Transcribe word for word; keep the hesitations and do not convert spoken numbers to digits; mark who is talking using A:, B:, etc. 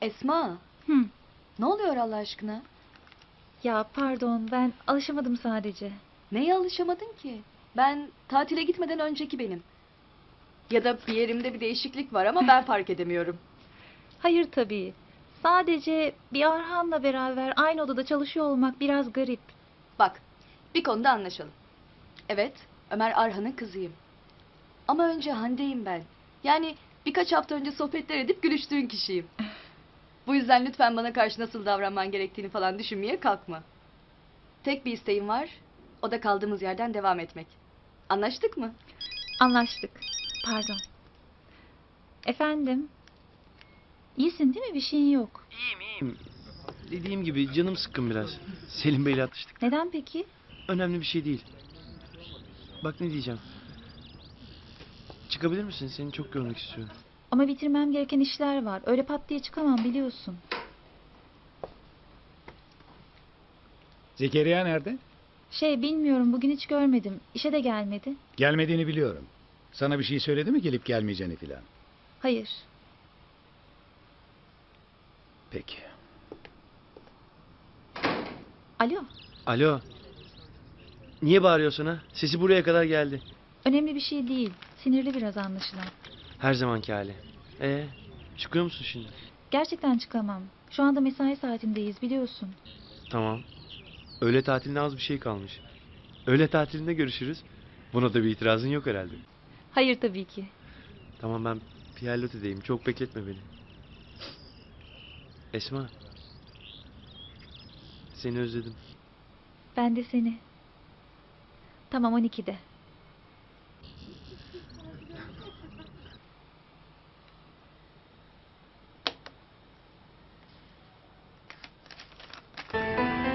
A: Esma,
B: Hı.
A: ne oluyor Allah aşkına?
B: Ya pardon, ben alışamadım sadece.
A: Neye alışamadın ki? Ben tatile gitmeden önceki benim. Ya da bir yerimde bir değişiklik var ama ben fark edemiyorum.
B: Hayır tabii. Sadece bir Arhan'la beraber aynı odada çalışıyor olmak biraz garip.
A: Bak, bir konuda anlaşalım. Evet, Ömer Arhan'ın kızıyım. Ama önce Hande'yim ben. Yani birkaç hafta önce sohbetler edip gülüştüğün kişiyim. Bu yüzden lütfen bana karşı nasıl davranman gerektiğini falan düşünmeye kalkma. Tek bir isteğim var, o da kaldığımız yerden devam etmek. Anlaştık mı?
B: Anlaştık. Pardon. Efendim? İyisin değil mi? Bir şeyin yok.
C: Dediğim gibi canım sıkkın biraz. Selim Bey'le atıştık.
B: Neden peki?
C: Önemli bir şey değil. Bak ne diyeceğim. Çıkabilir misin? Seni çok görmek istiyorum.
B: Ama bitirmem gereken işler var. Öyle pat diye çıkamam biliyorsun.
D: Zekeriya nerede?
B: Şey bilmiyorum bugün hiç görmedim. İşe de gelmedi.
D: Gelmediğini biliyorum. Sana bir şey söyledi mi gelip gelmeyeceğini filan?
B: Hayır.
D: Peki.
B: Alo.
C: Alo. Niye bağırıyorsun ha? Sesi buraya kadar geldi.
B: Önemli bir şey değil. Sinirli biraz anlaşılan.
C: Her zamanki hali. Ee, çıkıyor musun şimdi?
B: Gerçekten çıkamam. Şu anda mesai saatindeyiz biliyorsun.
C: Tamam. Öğle tatiline az bir şey kalmış. Öğle tatilinde görüşürüz. Buna da bir itirazın yok herhalde.
B: Hayır tabii ki.
C: Tamam, ben Pierlotte'deyim. Çok bekletme beni. Esma. Seni özledim.
B: Ben de seni. Tamam on ikide.